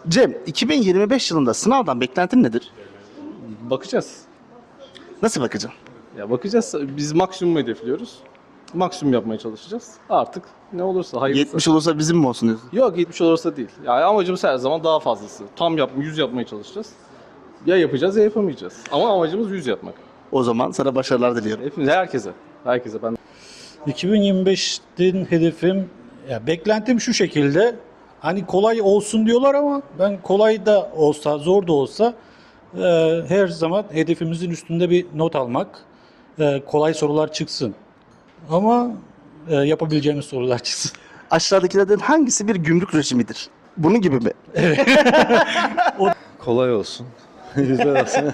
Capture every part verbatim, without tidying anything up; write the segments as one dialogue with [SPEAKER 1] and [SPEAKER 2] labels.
[SPEAKER 1] Cem, iki bin yirmi beş yılında sınavdan beklentin nedir?
[SPEAKER 2] Bakacağız.
[SPEAKER 1] Nasıl bakacaksın?
[SPEAKER 2] Ya bakacağız. Biz maksimum hedefliyoruz. Maksimum yapmaya çalışacağız. Artık ne olursa hayırlısı.
[SPEAKER 1] yetmiş olursa bizim mi olsun diyorsun?
[SPEAKER 2] Yok yetmiş olursa değil. Yani amacımız her zaman daha fazlası. Tam yap, yüz yapmaya çalışacağız. Ya yapacağız ya yapamayacağız. Ama amacımız yüz yapmak.
[SPEAKER 1] O zaman sana başarılar diliyorum.
[SPEAKER 2] Hepimiz, herkese. Herkese ben.
[SPEAKER 3] iki bin yirmi beştin hedefim, ya beklentim şu şekilde. Hani kolay olsun diyorlar ama ben kolay da olsa, zor da olsa e, her zaman hedefimizin üstünde bir not almak. E, kolay sorular çıksın. Ama e, yapabileceğimiz sorular çıksın.
[SPEAKER 1] Aşağıdakilerden hangisi bir gümrük rejimidir? Bunun gibi mi?
[SPEAKER 4] Kolay olsun. Güzel olsun.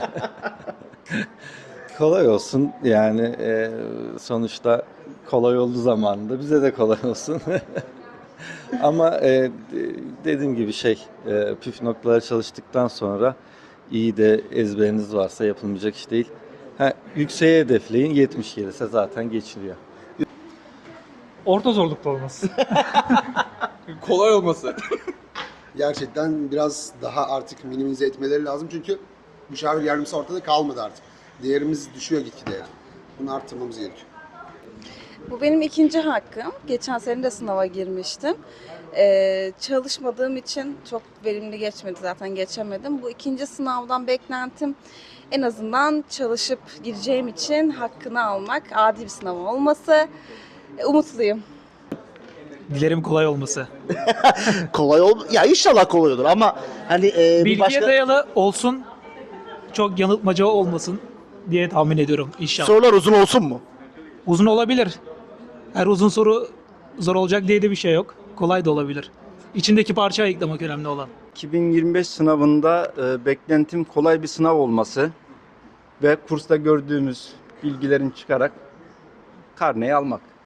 [SPEAKER 4] Kolay olsun. Yani e, sonuçta kolay olduğu zamanında bize de kolay olsun. Ama e, dediğim gibi şey, e, püf noktaları çalıştıktan sonra iyi de ezberiniz varsa yapılmayacak iş değil. Ha, yükseğe hedefleyin, yetmiş gelirse zaten geçiliyor.
[SPEAKER 5] Orta zorlukta olması.
[SPEAKER 2] Kolay olması.
[SPEAKER 6] Gerçekten biraz daha artık minimize etmeleri lazım çünkü müşavir yardımcısı ortada kalmadı artık. Değerimiz düşüyor gitgide yani. Bunu arttırmamız gerekiyor.
[SPEAKER 7] Bu benim ikinci hakkım. Geçen sene de sınava girmiştim. Ee, çalışmadığım için çok verimli geçmedi, zaten geçemedim. Bu ikinci sınavdan beklentim en azından çalışıp gireceğim için hakkını almak, adil bir sınav olması. Ee, umutluyum.
[SPEAKER 5] Dilerim kolay olması.
[SPEAKER 1] Kolay ol... Ya inşallah kolay olur ama hani e, bir
[SPEAKER 5] Bilgiye
[SPEAKER 1] başka...
[SPEAKER 5] dayalı olsun, çok yanıltmaca olmasın diye tahmin ediyorum inşallah.
[SPEAKER 1] Sorular uzun olsun mu?
[SPEAKER 5] Uzun olabilir. Her uzun soru zor olacak diye de bir şey yok. Kolay da olabilir. İçindeki parça ayıklamak önemli olan.
[SPEAKER 8] iki bin yirmi beş sınavında e, beklentim kolay bir sınav olması ve kursta gördüğümüz bilgilerin çıkarak karneyi almak.